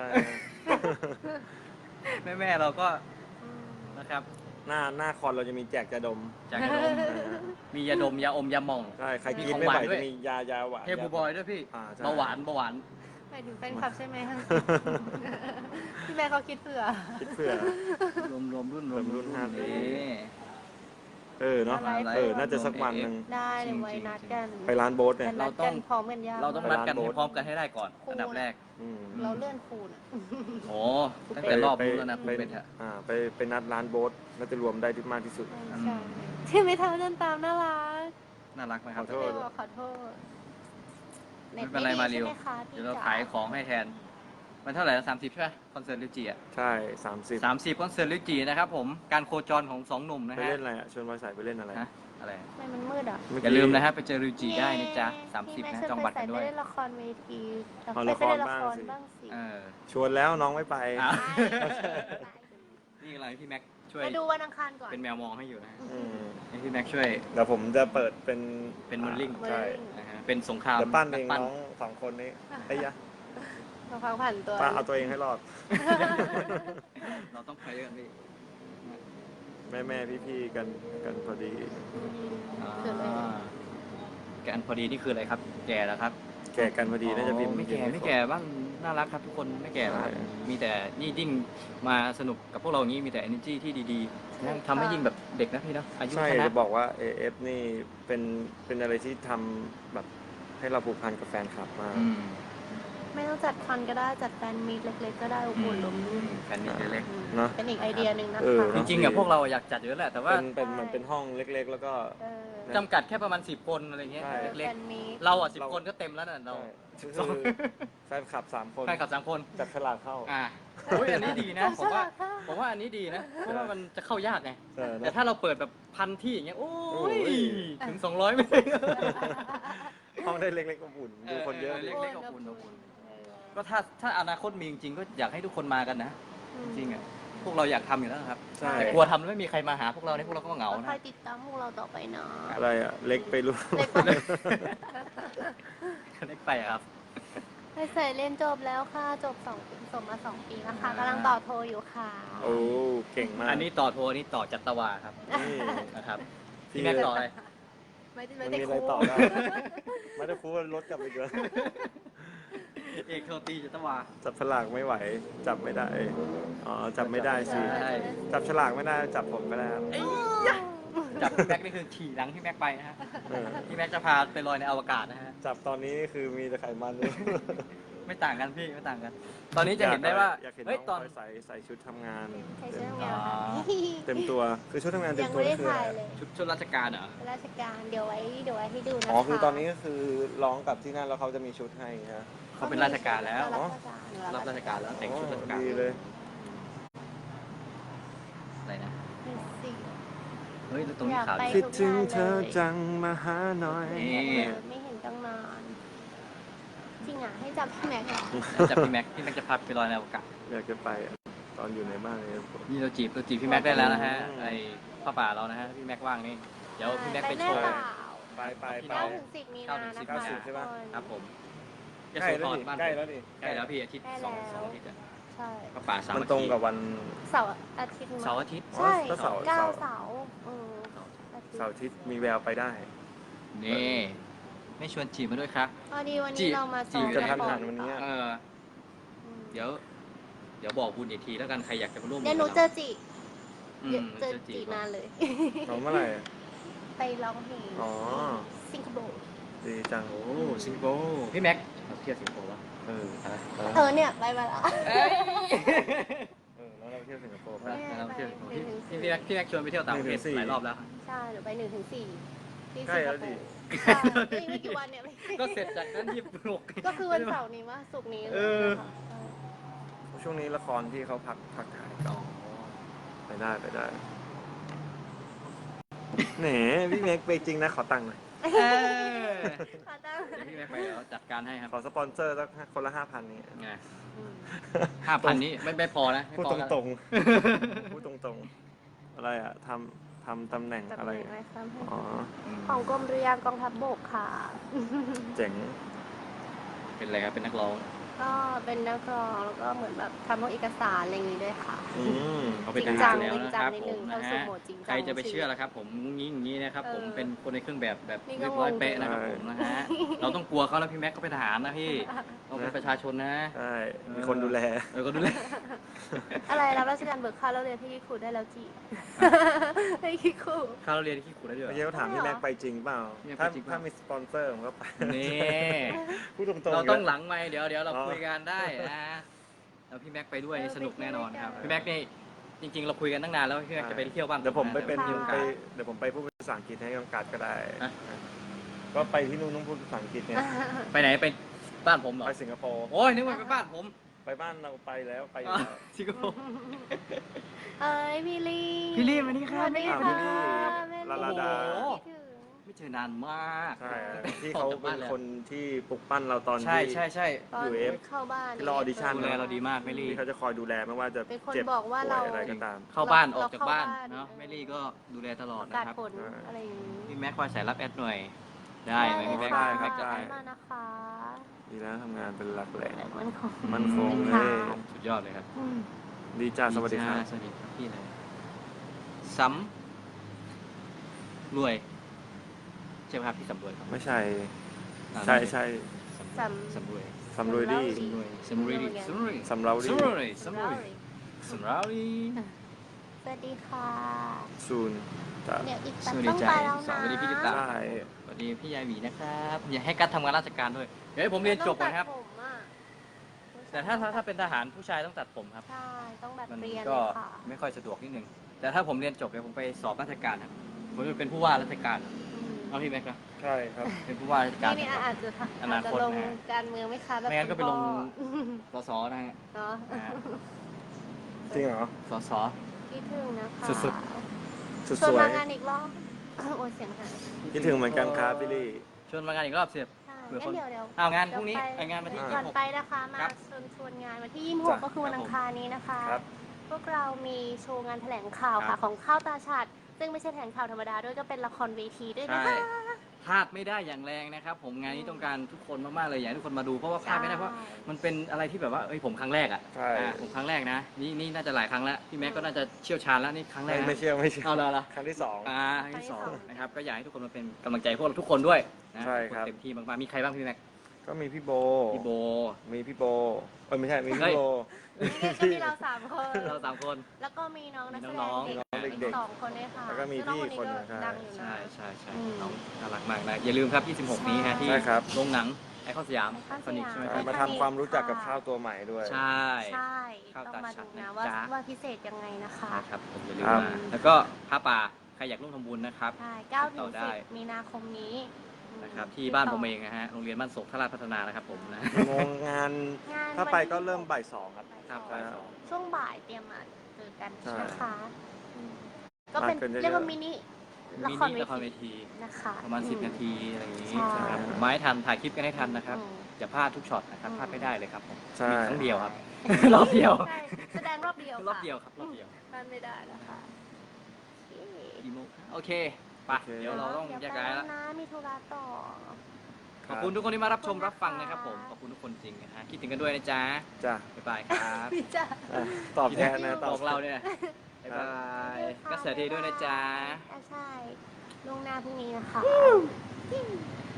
Speaker 2: แม่เราก็
Speaker 1: อืม
Speaker 2: นะครับ
Speaker 3: หน้าคอนเราจะมีแจกยาดม
Speaker 2: จากยาดมมียาดมยาอมยาหม่อง
Speaker 3: ใช่ใครกิน
Speaker 2: มีของ
Speaker 3: ไม่ไหว
Speaker 2: หวานด้วย
Speaker 3: จะมียาหวาน
Speaker 2: เฮบูบอยด้วยพี่
Speaker 3: ใช่
Speaker 2: เบาหวาน
Speaker 1: หมายถึงแฟนคลับใช่ไหมคะพี่แม่เขาคิดเผื่อ
Speaker 3: คิดเผื่อ
Speaker 2: รวมรุ่น
Speaker 3: รวมรุ่นห้าปี
Speaker 2: นี่
Speaker 3: เนาะ
Speaker 1: อะไร
Speaker 3: น่าจะสักวันหนึ่ง
Speaker 1: ได้เดี๋ยวไว้นัดกัน
Speaker 3: ไปร้านโบ๊ทเนี่ย
Speaker 1: แต่นัดกันพร้อมกันยาก
Speaker 2: เราต้อง
Speaker 3: ไป
Speaker 2: นัด
Speaker 3: ร้าน
Speaker 2: กัน
Speaker 3: โบ๊
Speaker 2: ให้
Speaker 3: ท
Speaker 2: พร้อมกันให้ได้ก่อนอันดับแรก
Speaker 3: อืม
Speaker 1: เราเลื่อนคูณอะ
Speaker 2: โอ้ตั้งแต่รอบนู้นแล้วนะคุณเป็นอะ
Speaker 3: ไปนัดร้านโบ๊ทน่าจะรวมได้ที่มากที่สุด
Speaker 1: ใช่ที่ไม่เท่าเดินตามน่ารัก
Speaker 2: น่ารักไหมครับ
Speaker 3: ขอโทษ
Speaker 1: ขอโทษ
Speaker 2: ไม่เป็นไรมาเร็ว
Speaker 1: ใช่ไหคะ
Speaker 2: เดี๋ยวเรา
Speaker 1: พี่จ๋
Speaker 2: ขายของให้แทน มันเท่าไหร่ละ30 ใช่ไหมคอนเสิร์ตลิวจีอ่ะ
Speaker 3: ใช่30
Speaker 2: 30คอนเสิร์ตลิวจีนะครับผมการโคจรของ2หนุ่มนะ
Speaker 3: ไป
Speaker 2: ฮะ
Speaker 3: เล่นอะไรอ่ะชวนบอยสายไปเล่นอะไร
Speaker 2: ฮะอะไร
Speaker 1: ทำไมมันมืดอ่ะ
Speaker 3: เมื่
Speaker 2: อย่าลืมนะฮะไปเจอลิวจีได้นะจ๊ะ30นะจองบัตรกันด้วย
Speaker 1: ไปเล่นละครเวที
Speaker 3: เอา
Speaker 1: ไป
Speaker 3: ละคร
Speaker 1: เล่นละ
Speaker 3: บ้าง
Speaker 1: คร
Speaker 3: สิ
Speaker 1: บ้างสิ
Speaker 2: เออ
Speaker 3: ชวนแล้วน้องไม่ไป
Speaker 2: อ้าว
Speaker 1: ไป
Speaker 2: นี่อะไรพี่แม็กช่วย
Speaker 1: มาดูวันอังคารก่อน
Speaker 2: เป็นแมวมองให้อยู่นะฮะ
Speaker 3: อืม
Speaker 2: ให้พี่แม็กช่วย
Speaker 3: เดี๋ยวผมจะเปิดเป็น
Speaker 2: เป็นโมเดลลิ่ง
Speaker 3: ใช่
Speaker 2: นะฮะเป็นสงคราม
Speaker 3: เดี๋ยวปั้นเอง
Speaker 2: ปั้น
Speaker 3: น้องสองคนนี้ไอ้ยะ
Speaker 1: มาพักผ่านตัว
Speaker 3: ป้าเอาตัวเองให้รอด
Speaker 2: เราต้องไปด้วยกันพี่
Speaker 3: แม่พี่กันพอดี
Speaker 1: คืออะไร
Speaker 2: แกอันพอดีนี่คืออะไรครับ แก่แล้วครับ
Speaker 3: แก่กันพอดีน่าจะพิมพ์
Speaker 2: ไม่แก่ไม่แก่บ้างน่ารักครับทุกคนไม่แก่แล้วครับ
Speaker 3: ใช่
Speaker 2: มีแต่นี่ยิ่งมาสนุกกับพวกเราอย่างนี้มีแต่ energy ที่ดีๆนะทำให้ยิ่งแบบเด็กนะพี่เนาะอายุ
Speaker 3: ใช่
Speaker 2: ชนะ
Speaker 3: จะบอกว่า AF นี่เป็นอะไรที่ทำแบบให้เราผูกพันกับแฟนคลับมาก
Speaker 2: อืม
Speaker 1: ไม่ต้องจัดคอนก็ได้จัดแฟนมีตเล็กๆก็ได้อบอุ่นลมลื่น
Speaker 2: แฟนนี่เล็ก
Speaker 3: เนอะ
Speaker 1: เป็นอีกไอเดียหนึ่งนะ
Speaker 3: เออ
Speaker 1: คะ
Speaker 2: ๆจริงๆอะพวกเราอยากจัดเยอะแหละแต่ว่า
Speaker 3: เป็นมันเป็นห้องเล็กๆ แล้วก็
Speaker 1: เออ
Speaker 2: จำกัดแค่ประมาณ10 คนอะไรเงี้ย
Speaker 3: ใช่
Speaker 2: เล็ก
Speaker 1: แฟนมีต
Speaker 2: ๆเราอ่ะ10 คนก็เต็มแล้วน่ะเรา
Speaker 3: ใช่คือแฟนคลับ3 คน
Speaker 2: แฟนคลับ3 คน
Speaker 3: จัดฉลากเข้า
Speaker 2: อ่าอุ้ยอันนี้ดีนะผมว่า
Speaker 1: ค่ะ
Speaker 2: ผมว่าอันนี้ดีนะเพราะว่ามันจะเข้ายากไง
Speaker 3: เออ
Speaker 2: แต่
Speaker 3: นะ
Speaker 2: ถ้าเราเปิดแบบ1,000 ที่อย่างเงี้ยโอ้
Speaker 3: โอ้
Speaker 2: ย
Speaker 3: ย
Speaker 2: ถึง200ไม่ได้
Speaker 3: ห้องได้เล็กๆอบอุ่นดูคนเยอะ
Speaker 2: เล็
Speaker 3: ดิ
Speaker 2: กๆอบอุ่น ก็ถ้าอนาคตมีจริงๆก็อยากให้ทุกคนมากันนะ จริงๆอ่ะพวกเราอยากทำอยู่แล้วนะครับ
Speaker 3: ใช่
Speaker 2: แต่กลัวทำแล้วไม่มีใครมาหาพวกเราเนี่ยพวกเราก็เหงา
Speaker 1: ก็
Speaker 2: นะ
Speaker 1: คอยติดตามพวกเราต่อไปเนาะ
Speaker 3: อะไรอ่ะ เล็กไปรู้
Speaker 1: เล็กไป
Speaker 2: เล็กไปอะครับ
Speaker 1: ให้ใส่เรียนจบแล้วค่ะจบจบมา2 ปีแล้วค่ะกำลังต่อโทอยู่ค่ะ
Speaker 3: โอ้เก่งมาก
Speaker 2: อันนี้ต่อโทรอันนี้ต่อจัตวาครับ
Speaker 3: นี่
Speaker 2: นะครับพี่แม็กต่ออะไร
Speaker 1: ไม่ได้
Speaker 3: มัน
Speaker 1: ไม่
Speaker 3: มี
Speaker 1: ได้
Speaker 3: อะไร
Speaker 1: ครู
Speaker 3: ต่อได้ไม่ได้ครูว่ารถกลับไปเยอะ
Speaker 2: เอกโทรตีจัตวา
Speaker 3: จับฉลากไม่ไหว จับไม่ได้ อ๋อ จับไม่ได้สิ
Speaker 2: ใช่
Speaker 3: จับฉลากไม่ได้ จับผมก็ได้ครับ
Speaker 2: จับพี่แม็กนี่คือขี่หลังพี่แม็กไปนะฮะ
Speaker 3: เออ
Speaker 2: พี่แม็กจะพาไปลอยในอวกาศนะฮะ
Speaker 3: จับตอนนี้คือมีแต่ไขมันเลย
Speaker 2: ไม่ต่างกันพี่ไม่ต่างกัน ตอนนี้จะเห็นได้ว่า
Speaker 3: อยากเห็น
Speaker 2: เฮ้ย
Speaker 3: น้อง
Speaker 2: ตอน
Speaker 3: พลอยใส่ชุดทำงาน
Speaker 1: ใช้ชื่อแมวค่ะ
Speaker 3: เต็มตัว คือชุดทำงานเต็
Speaker 1: ยั
Speaker 3: ม
Speaker 1: ง
Speaker 3: ตัว
Speaker 1: ไม่ได้
Speaker 3: นี่คือ
Speaker 1: ถ่าย
Speaker 3: อะไร
Speaker 1: เลย
Speaker 2: ชุดราชการเหรอ
Speaker 1: ราชการเดี๋ยวไว้ให้ดูนะคะ
Speaker 3: อ๋อ คือตอนนี้ก็คือร้องกับที่นั่นแล้วเขาจะมีชุดให้ฮะ
Speaker 2: เขาเป็นราชการแล้ว
Speaker 1: ราชการ
Speaker 2: รับราชการแล้วแต่งชุดราชการ
Speaker 3: ดีเลย
Speaker 2: อะไรนะ
Speaker 1: เป็นสิ
Speaker 2: เฮ้ยแล้วตรงนี้ขาว
Speaker 1: อยากไป
Speaker 2: ดี
Speaker 3: คิดถึงเธอจังมาหาหน่อย
Speaker 2: นี่
Speaker 1: ไม่เห็นตั้งนาน จริงอ่ะ ให้จับพี่แม็กซ์เหรอ
Speaker 2: จับพี่แม็กพี่แม็กจะพาไปลอยในอวกาศ
Speaker 3: อยากจะไปอะตอนอยู่ในบ้านเลย
Speaker 2: นี่เราจีบพี่แม็กได้แล้วนะฮะไอ้ผ้าป่าเรานะฮะพี่แม็กว่างนี่เดี๋ยวพี่แม็กไปโชว์
Speaker 1: แน่เปล่า
Speaker 3: ไป
Speaker 1: 9 ถึง 10 มีนานะ
Speaker 2: 9
Speaker 1: คะ
Speaker 2: ถึง
Speaker 3: 10ใช่ปะ
Speaker 2: ครับผม
Speaker 3: ใกล้แล้วดิ
Speaker 2: บ้าน
Speaker 3: ใกล้แล้วดิ
Speaker 2: ใกล้แล้วพี่อาทิตย์
Speaker 1: ใกล้
Speaker 2: สอง
Speaker 1: แล้ว
Speaker 2: อาทิตย์อะ
Speaker 1: ใช่
Speaker 2: ผ้าป่าสาม
Speaker 3: มัน
Speaker 2: อา
Speaker 3: ตรง
Speaker 2: ทิตย์
Speaker 3: กับวัน
Speaker 1: เสาร์อาทิตย์มั้ย
Speaker 2: เสาร์อาทิตย์
Speaker 1: ใช่
Speaker 3: ก็เสาร์
Speaker 1: 9 เสาร์อาทิตย์
Speaker 3: เสาร์อาทิตย์มีแววไปได้
Speaker 2: นี่ไม่ชวนจีบมาด้วยครับ
Speaker 1: พอดีวัน
Speaker 2: จี
Speaker 1: นี้
Speaker 2: บ
Speaker 1: เรามา
Speaker 2: จี
Speaker 1: ซ้อบ ม
Speaker 3: จะทัน
Speaker 1: ก่อ
Speaker 3: หันวันนี้
Speaker 2: เออ
Speaker 1: อืม
Speaker 2: เดี๋ยวบอกบุญอีกทีแล้วกันใครอยากจะมาร่วม
Speaker 1: เดี๋ยวหนูเจอจี
Speaker 2: อืม
Speaker 1: เจอจีนานเลย
Speaker 3: ของเมื่อไหร่
Speaker 1: ไปร้องเพลง
Speaker 3: อ๋อ
Speaker 1: สิงคโปร์
Speaker 3: ดีจัง
Speaker 2: โอ้สิงคโปร์พี่แม็กเราเที่ยวสิงคโปร์วะ
Speaker 3: เออ
Speaker 1: เธอเนี่ยไปมาแล้ว
Speaker 3: แล้วเราเที่ยวสิงคโปร์
Speaker 2: ไป
Speaker 3: ไป
Speaker 2: เราเที่ยวสิงคโปร์
Speaker 1: ไป
Speaker 2: พี่แม็กชวนไปเที่ยวต่างประเทศ
Speaker 3: 1 ถึง 4
Speaker 2: หลายรอบแล้ว
Speaker 1: ใช่หนูไป1 ถึง 4ที่
Speaker 3: ใกล้
Speaker 1: สิงค
Speaker 3: แล้ว
Speaker 1: โป
Speaker 3: ดิ
Speaker 1: ร์ใช่ไม่กี่วันเนี่ย
Speaker 2: ก็เสร็จจากนั้นที่ปลุก
Speaker 1: ก็คือวันเสาร์นี้ว่าศุกร์นี้เลย
Speaker 2: เออ
Speaker 1: นะคะ
Speaker 3: ช่วงนี้ละครที่เขาพักถ่ายก็ไปได้แหนพี่เมกไปจริงนะขอตังค์หน่อย
Speaker 2: เออ
Speaker 1: ขอตั้ง
Speaker 2: เดี๋ยวพี่แม็กไปเดี๋ยวจัดการให้ครับ
Speaker 3: ขอสปอนเซอร์สักคนละ 5,000นี่
Speaker 2: ไง
Speaker 1: อืม
Speaker 2: 5,000นี้ไม่พอนะไม่
Speaker 3: พูด
Speaker 2: พอ
Speaker 3: ต
Speaker 2: แล้ว
Speaker 3: รงๆ พูดตรงๆ อะไรอะทำตำแหน่ง
Speaker 1: จับ
Speaker 3: อะไร
Speaker 1: หน่อยไหมครับ
Speaker 3: อ๋อ
Speaker 1: ของกรมเรือกองทัพบกค่ะ
Speaker 3: เจ๋ง
Speaker 2: เป็นอะไรครับเป็นนักร้อง
Speaker 1: ก็เป็นนักร้องแล้วก็เหมือนแบบทำพวกเอกสารอะไรอย่างนี้ด้วยค่ะ
Speaker 3: อืม
Speaker 2: เขาเป็นท
Speaker 1: จริงจั
Speaker 2: หารง แล้วนะครับ
Speaker 1: จริงจังนิด
Speaker 2: ผ
Speaker 1: นึ
Speaker 2: ม
Speaker 1: ง
Speaker 2: นะ
Speaker 1: เข้าสู่
Speaker 2: ฮะ
Speaker 1: โหมดจริงจัง
Speaker 2: ใครจะไปเชื่อล่ะครับผมงุ้งงี้อย่างนี้นะครับผม
Speaker 1: เออ
Speaker 2: เป็นคนในเครื่องแบบ
Speaker 1: นี่ก็
Speaker 2: เรียบร้อย
Speaker 1: งง
Speaker 2: เป๊ะนะครับผมนะฮะเราต้องกลัวเขาแล้วพี่แม็กเขาเป็นทหารนะพี่เราเป็นประชาชนนะ
Speaker 3: ใช่ มีคนดูแล
Speaker 2: ก็ดูแล
Speaker 1: อะไรรับราชการเบิกค่าแล้วเรียนที่ครูได้แล้วจี ให้คิดครู
Speaker 2: ข้าวเราเรียนที่ขู่ได้ด้วย
Speaker 3: เมื่อกี้เขาถามพี่แม็กไปจริงเปล่า
Speaker 2: พี่แม็ก
Speaker 3: ถ้า
Speaker 2: ไปจริงเปล่า
Speaker 3: ถ้ามีสปอนเซอร์ผมก็ไป
Speaker 2: นี่
Speaker 3: พูดตรงๆ
Speaker 2: เราต้อง
Speaker 3: ยู่
Speaker 2: ห
Speaker 3: แล้ว
Speaker 2: ลังไมค์เดี๋ยวเรา
Speaker 3: อ๋อ
Speaker 2: คุยกันได้นะแล้วพี่แม็กไปด้วยสนุกแน่นอนครับพี่แม็กนี่จริงๆ เราคุยกันตั้งนานแล้วพี่แม็กจะไปเที่ยวบ้าง
Speaker 3: เดี๋ยวผมไปเป็น
Speaker 2: มีโอกาส
Speaker 3: เดี๋ยวผมไปพูดภาษาอังกฤษให้กองการก็ได้
Speaker 2: ฮะ
Speaker 3: ก็ไปที่นู่นต้องพูดภาษาอังกฤษเนี่ย
Speaker 2: ไปไหนไปบ้านผมเหรอ
Speaker 3: ไปสิงคโปร์
Speaker 2: โอ้ยนึกว่าไปบ้านผม
Speaker 3: ไปบ้านเราไปแล้วไปอยู่
Speaker 2: อ๋อ
Speaker 3: แล้ว
Speaker 2: สิงคโปร์
Speaker 1: เอ้ยพี่ลี
Speaker 2: พี่ลี่มานี่ครับ
Speaker 1: สวัสดี
Speaker 3: อ้าว
Speaker 1: ค่ะ
Speaker 3: พี่ลี่
Speaker 1: แม่
Speaker 3: ลาลาดา
Speaker 2: โอ้โห
Speaker 1: คิดถึง
Speaker 2: ไม่เจอนานมาก
Speaker 3: ใช่ที่เขา
Speaker 2: ออกจาก
Speaker 3: เป็
Speaker 2: บ้
Speaker 3: น
Speaker 2: ลย
Speaker 3: คนที่ปลุกปั้นเราตอน
Speaker 2: ใช่
Speaker 3: ที่
Speaker 2: ใช่ใช่
Speaker 1: ตอน
Speaker 3: UF
Speaker 1: เข้าบ้าน
Speaker 3: ที่รอ audition
Speaker 2: ดูแลเราดีมากไม่รี
Speaker 3: ที่เขาจะคอยดูแลไม่ว่าจะ
Speaker 1: เป็นคน
Speaker 3: เจ็บ
Speaker 1: บอกว่า
Speaker 3: ป่
Speaker 1: เรา
Speaker 3: วยอะไรก็ตาม
Speaker 2: เข้าบ้านอ
Speaker 1: เรา
Speaker 2: อกจากบ้าน
Speaker 1: เข้าบ้าน
Speaker 2: เนาะแม่ลี่ก็ดูแลตลอด
Speaker 1: ป
Speaker 2: นะ
Speaker 1: ระกาศ
Speaker 2: ครับ
Speaker 1: ผลอะไรอย่างนี้
Speaker 2: พี่แม็กคอยสายรับแอดหน่อย ได้ไหม
Speaker 1: เลย
Speaker 2: พี่แม็ก
Speaker 1: ค่ะ
Speaker 3: ได้ครับได้
Speaker 1: มานะคะ
Speaker 3: ดีแล้วทำงานเป็นหลักแหล่ง
Speaker 1: มันคง
Speaker 3: มั่นคง
Speaker 1: เป็น
Speaker 3: เล
Speaker 1: ค่ะ
Speaker 3: ย
Speaker 2: สุดยอดเลยครับ
Speaker 1: อืม
Speaker 3: ดีจ้าสวัสดีครับ
Speaker 2: สวัสดีครับพี่เลยซ้ำรวยใช่ไหมครับพี่สำรวยครับ
Speaker 3: ไม่ใช่
Speaker 2: อ่า
Speaker 3: ใช่ใช่
Speaker 2: สำรวย
Speaker 3: สำรวยดี
Speaker 2: สำรวยสำรวยสำรวย
Speaker 3: สำเราดี
Speaker 2: สำรวยสำรวยสำรวย
Speaker 1: สวัสดีค่ะ
Speaker 3: ซูนจ้า
Speaker 1: เดี๋ยวอีก
Speaker 2: ส
Speaker 1: แป๊บ
Speaker 2: วัสดี
Speaker 1: ต้อง
Speaker 2: ใจ
Speaker 1: ไปแล้ว
Speaker 2: ส
Speaker 1: นะ
Speaker 2: วัสดีพี่ติตา
Speaker 3: ใช่
Speaker 2: สวัสดีพี่ยายหวีนะครับอย่าให้กัดทำงานราชการด้วยเดี๋ยวให้ผมเรียนจบก่อนครับ
Speaker 1: ต้องตัดผมอะ
Speaker 2: แต่ถ้าเป็นทหารผู้ชายต้องตัดผมครับ
Speaker 1: ใช่ต้องแบบ
Speaker 2: มัน
Speaker 1: เรียน
Speaker 2: ก็
Speaker 1: เลยค่ะ
Speaker 2: ไม่ค่อยสะดวกนิดนึง แต่ถ้าผมเรียนจบเดี๋ยวผมไปสอบราชการครับผมจะเป็นผู้ว่าราชการ
Speaker 1: อืม
Speaker 2: เอาพี่แม็กซ์นะ
Speaker 3: ใช่ครับ
Speaker 2: เป็นผู้ว่าราชการ
Speaker 1: นี่
Speaker 2: นะครับ
Speaker 1: อาจจะ
Speaker 2: อนาคต
Speaker 1: ลง
Speaker 2: นะ
Speaker 1: การเมืองไหม่คะแบบ
Speaker 2: ไม่งั้นก็ไปลง
Speaker 1: คุณ
Speaker 2: สสนะฮะ
Speaker 1: พ่อเนาะ
Speaker 2: อ่า
Speaker 3: จริงเหรอ
Speaker 2: สส
Speaker 1: คิดถึงนะคะ
Speaker 2: สุด
Speaker 3: สุด
Speaker 1: ชวน
Speaker 3: สวย
Speaker 1: มางานอีกรอบโอ้ยเสียงหาย
Speaker 3: คิดถึงเหมือนกันครับพี่ลี่
Speaker 2: ชวนมางานอีกรอบเสียบ
Speaker 1: ใช่
Speaker 2: เผื่อ
Speaker 1: งั้
Speaker 2: คน
Speaker 1: นเดี๋ยว
Speaker 2: เอางานพรุ่งนี้ไองานวันที่
Speaker 1: ก่อน
Speaker 2: 26
Speaker 1: ไปนะคะมา
Speaker 2: ครับ
Speaker 1: ชวนงานวันที่ 26
Speaker 3: จ้ะ
Speaker 1: ก็คือวันอังคารนี้นะคะ
Speaker 3: ครับ
Speaker 1: พวกเรามีโชว์งานแถลงข่าว
Speaker 2: ครั
Speaker 1: ค่ะ
Speaker 2: บ
Speaker 1: ของข้าวตาฉัดซึ่งไม่ใช่แถลงข่าวธรรมดาด้วยก็เป็นละครเวทีด้วยนะ
Speaker 2: ใช่
Speaker 1: คะ
Speaker 2: พลาดไม่ได้อย่างแรงนะครับ ผมงานนี้ต้องการทุกคนมากๆเลยอยากให้ทุกคนมาดูเพราะว่าพลาดไม่ได้เพราะมันเป็นอะไรที่แบบว่าเอ้ยผมครั้งแรกอ่ะ
Speaker 3: ใช่
Speaker 2: ผมครั้งแรกนะนี่น่าจะหลายครั้งแล้วพี่แม็กก็น่าจะเชี่ยวชาญแล้วนี่ครั้งแรกนะ
Speaker 3: ไม่เชื่อไม่เชื่อ
Speaker 2: เอาละ
Speaker 3: ครั้งที่สอง
Speaker 2: ครั้งที่สองนะครับก็อยากให้ทุกคนมาเป็นกำลังใจพวกเราทุกคนด้วยนะ
Speaker 3: ใช่ครับ
Speaker 2: ทุกนเต็มที่มากๆมีใครบ้างพี่แม็ก
Speaker 3: ก็มีพี่โบ
Speaker 2: พี่โบ
Speaker 3: มีพี่โบเอ้ยไม่ใช่ มี
Speaker 2: เฮ้
Speaker 3: พี่
Speaker 2: ย
Speaker 3: โบ
Speaker 1: นี่ก็มีเรา3 คน
Speaker 2: เราสามคน
Speaker 1: แล้วก็มีน้องนักแสด
Speaker 2: น้อง
Speaker 1: ง
Speaker 3: น้อง
Speaker 1: เด็ก
Speaker 3: เด็กๆ
Speaker 1: อีก2 คนด้วยค่ะ
Speaker 3: แล้วก็มี
Speaker 1: ซึ่งน้อง
Speaker 3: พี่คนหนึ่ง
Speaker 1: ก็ดังอยู่นะ
Speaker 2: ใช่ใช่ใช่
Speaker 1: อืม
Speaker 2: น้องน่ารักมากนะอย่าลืมครับ26นี้ฮะที่
Speaker 3: ใช่ครับ
Speaker 2: โรงหนังไอคอนสยาม
Speaker 1: ไอคอนสยาม
Speaker 2: คอนิกใช่ไหมค
Speaker 3: ใช่
Speaker 2: รับ
Speaker 3: มาทำความรู้จักกับข้าวตัวใหม่ด้วย
Speaker 2: ใช่
Speaker 1: ใช่
Speaker 2: ข้าว
Speaker 1: ต้อง
Speaker 2: ตา
Speaker 1: มา
Speaker 2: ฉั
Speaker 1: ดู
Speaker 2: ด
Speaker 1: นะ
Speaker 2: นะ
Speaker 1: ว่า
Speaker 2: จ๊ะ
Speaker 1: ว่าพิเศษยังไงนะคะ
Speaker 2: นะครับผมอย่าลืม
Speaker 3: ครับ
Speaker 2: มาแล้วก็ผ้าป่าใครอยากร่วมทำบุญนะครับ
Speaker 1: ใช่
Speaker 2: ติดต่อได้
Speaker 1: 9 ถึง 10 มีนาคมนี้อืม
Speaker 2: นะครับที่บ้านผมเองนะฮะโรงเรียนบ้านโศกทราชพัฒนานะครับผมนะ
Speaker 3: โมงงาน
Speaker 1: งาน
Speaker 3: ถ้าไป
Speaker 1: วันที่
Speaker 3: ก็เริ่มบ่ายสองครับ
Speaker 2: ครับ
Speaker 1: บ่าย
Speaker 2: บ่าย
Speaker 1: ส
Speaker 2: ส
Speaker 1: อ
Speaker 2: อง ง
Speaker 1: ช่วงบ่ายเตรียมมาเจอกัน
Speaker 3: ใช่
Speaker 1: นะคะอืมก็เป็น
Speaker 3: มากันเยอะๆ
Speaker 1: เรียกว่ามินิ ละ
Speaker 2: มิ
Speaker 1: คร
Speaker 2: นิ
Speaker 1: เว
Speaker 2: ละครเว
Speaker 1: ที
Speaker 2: ที
Speaker 1: นะคะ
Speaker 2: ประมาณ
Speaker 1: อื
Speaker 2: 10 นาทีอะไรอย่างนี้
Speaker 1: ใช่
Speaker 2: นะครับไมาให้ทันถ่ายคลิปกันให้ทันนะครับ
Speaker 1: อืม
Speaker 2: อย่าพลาดทุกช็อตนะครับ
Speaker 1: อืม
Speaker 2: พลาดไม่ได้เลยครับผม
Speaker 3: ใช่
Speaker 2: มีครั้งเดียวครับ รอบเดียว
Speaker 1: ใช่แสดงรอบเดียว
Speaker 2: รอบเดียวครับรอบเดียว
Speaker 1: พลาดไม่ได้นะคะโอเค
Speaker 2: กี่โมงโอเคไปเดี๋ยวเราต้องแยกย้ายแล้ว
Speaker 1: เดี๋วไปนะมีธุระต่อ
Speaker 2: ขอบคุณทุกคนที่มารับชมรับฟังนะครับผมขอบคุณทุกคนจริงนะฮะคิดถึงกันด้วยนะจ๊ะ
Speaker 3: จ้ะ
Speaker 2: บ๊ายบายครับ
Speaker 1: พี่จ้า
Speaker 3: อ่ะตอบแทนนะต
Speaker 2: บ
Speaker 3: อบ
Speaker 2: อกเราเนี่ยบ๊ายบายก็เสียทีด้วยนะจ๊ะ
Speaker 1: ใช่ลุงหน้าพรุ่งนี้นะคะ